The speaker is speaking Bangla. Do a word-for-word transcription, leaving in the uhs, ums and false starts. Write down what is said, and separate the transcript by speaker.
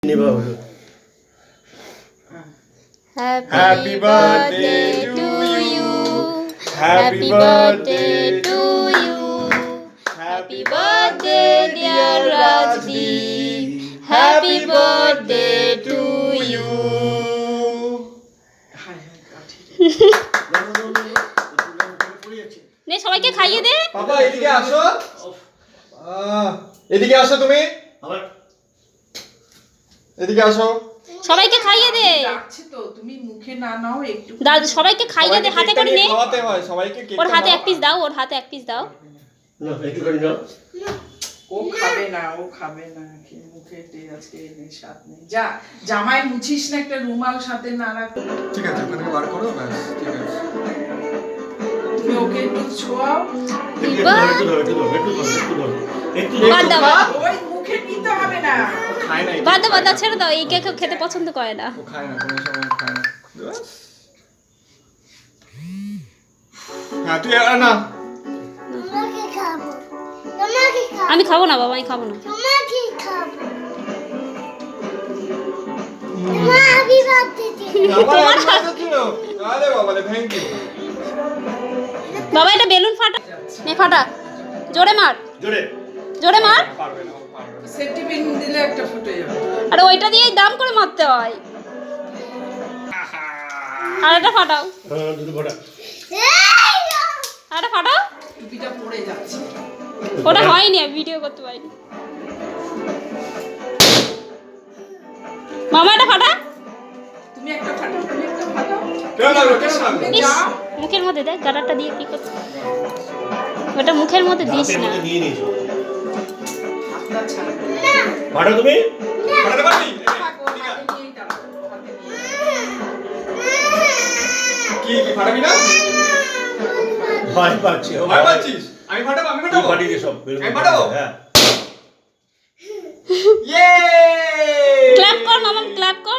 Speaker 1: Happy birthday to you. Happy birthday to you. Happy birthday dear Rajdeep. Happy birthday to you. নে সবাইকে খাইয়ে দে।
Speaker 2: বাবা এদিকে আসো। এদিকে আসো তুমি। আবার এদিকে আসো।
Speaker 1: সবাইকে খাইয়ে দে।
Speaker 3: ডাকছে তো তুমি মুখে না নাও একটু।
Speaker 1: দাদু সবাইকে খাইয়ে দে, হাতে করে নে।
Speaker 2: খাওয়াতে হয় সবাইকে কেক।
Speaker 1: ওর হাতে এক পিস দাও, ওর হাতে এক পিস দাও।
Speaker 2: না একটু করে নাও।
Speaker 3: ও খাবে না, ও খাবে না, কি মুখে দে আজকে নেই স্বাদ নেই। যা জামাই মুছিস না, একটা রুমাল সাথে না রাখ।
Speaker 2: ঠিক আছে ওখানে বার করো ব্যাস ঠিক আছে।
Speaker 3: তুমি ওকে একটু ছোঁয়াও।
Speaker 1: একটু ধর একটু ধর একটু ধর একটু ধর একটু ধর একটু বাদ দাও।
Speaker 3: ওই মুখে নিতে হবে না।
Speaker 2: খায় না।
Speaker 1: বাদ দাও বাদ দাও, ছেড়ে দাও, এই কেক খেতে পছন্দ করে না।
Speaker 2: ও খায় না, কোনো সময় খায় না। হ্যাঁ তুই আর না।
Speaker 4: তোমাকে খাবো, তোমাকে খাবো,
Speaker 1: আমি খাবো না বাবা, আমি খাবো না।
Speaker 4: তোমাকে খাবো। তোমার হ্যাপি বার্থডে।
Speaker 2: তোমার হাতে ছিল। আরে বাবা রে থ্যাংক ইউ।
Speaker 1: বাবা এটা বেলুন ফাটা, নে ফাটা, জোরে মার,
Speaker 2: জোরে
Speaker 1: জোরে মার।
Speaker 2: পারবে না, পারবে না।
Speaker 3: সেফটি পিন দিলে একটা ফুটে যাবে।
Speaker 1: আরে ওইটা দিয়েই দাম করে মারতে হয়। আর এটা ফাটাও।
Speaker 2: হ্যাঁ দুটো ফোঁটা।
Speaker 1: আর এটা ফাটাও।
Speaker 3: টুপিটা পড়ে যাচ্ছে।
Speaker 1: ওটা হয়নি, আমি ভিডিও করতে পারিনি। মামা এটা ফাটা।
Speaker 3: তুমি একটা ফাটাও, তুমি একটা ফাটাও।
Speaker 2: কেন লাগলো কেন লাগলো?
Speaker 1: ইস, মুখের মধ্যে দেখ গাডারটা দিয়ে কি করছিস। ওটা মুখের মধ্যে দিস না।
Speaker 2: নিয়ে নিয়েছো
Speaker 3: হাতটা ছাড়া।
Speaker 2: ফাটা তুমি ফাটাতে পারবি?
Speaker 3: থাকো, হাতে নিয়েই দাও, হাতে নিয়ে।
Speaker 2: কি কি ফাটাবি না?
Speaker 5: ভয় পাচ্ছি
Speaker 2: ভয় পাচ্ছিস? আমি ফাটাবো আমি ফাটাবো।
Speaker 5: ফাটিয়ে দে সব
Speaker 2: আমি ফাটাবো?
Speaker 5: হ্যাঁ
Speaker 2: ইয়ে!
Speaker 1: ক্ল্যাপ কর মামা, ক্ল্যাপ কর।